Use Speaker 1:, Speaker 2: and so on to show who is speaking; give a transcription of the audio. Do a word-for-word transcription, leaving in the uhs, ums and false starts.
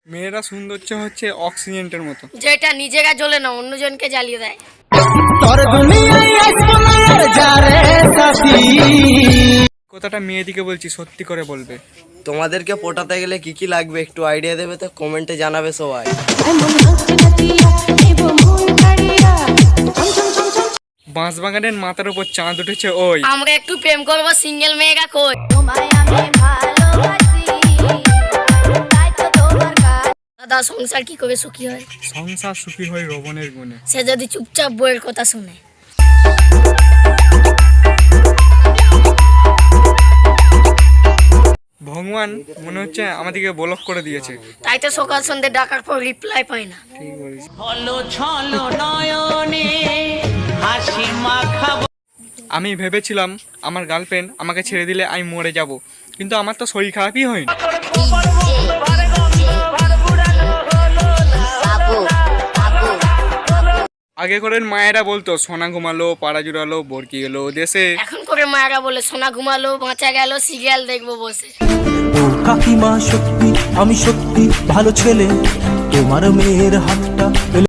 Speaker 1: মেয়েরা সৌন্দর্য হচ্ছে অক্সিজেনের মতো,
Speaker 2: যেটা নিজেরা জ্বলে না অন্যজনকে জ্বালিয়ে দেয়।
Speaker 1: কথাটা মেয়েদিকে বলছি, সত্যি করে বলবে।
Speaker 3: তোমাদেরকে পটাতে গেলে কি কি লাগবে একটু আইডিয়া দেবে তো কমেন্টে জানাবে সবাই।
Speaker 1: বাঁশবাগানের মাথার উপর চাঁদ উঠেছে ওই।
Speaker 2: আমরা একটু প্রেম করবো, সিঙ্গেল মেয়েরা কই? দাদা সংসার কি করে সুখী হয়?
Speaker 1: সংসার সুখী হয় রবণের গুণে।
Speaker 2: সে যদি চুপচাপ বইয়ের কথা শুনে।
Speaker 1: ভগবান মনে হচ্ছে আমাদেরকে ব্লক করে দিয়েছে।
Speaker 2: তাই তো সকাল সন্ধ্যে ডাকার পর রিপ্লাই পাই না।
Speaker 1: ঠিক বলেছি। আমি ভেবেছিলাম আমার গার্লফ্রেন্ড আমাকে ছেড়ে দিলে আমি মরে যাব, কিন্তু আমার তো শরীর খারাপই হয়নি। আগে করে মায়েরা বলতো সোনা ঘুমালো, পাড়া জুড়ালো, বরকি গেলো দেশে।
Speaker 2: এখন করে মায়েরা বলে সোনা ঘুমালো, বাঁচা গেল, সিরিয়াল দেখবো বসে।
Speaker 4: ও কাকিমা সত্যি আমি সত্যি ভালো ছেলে, তোমার মেয়ের হাতটা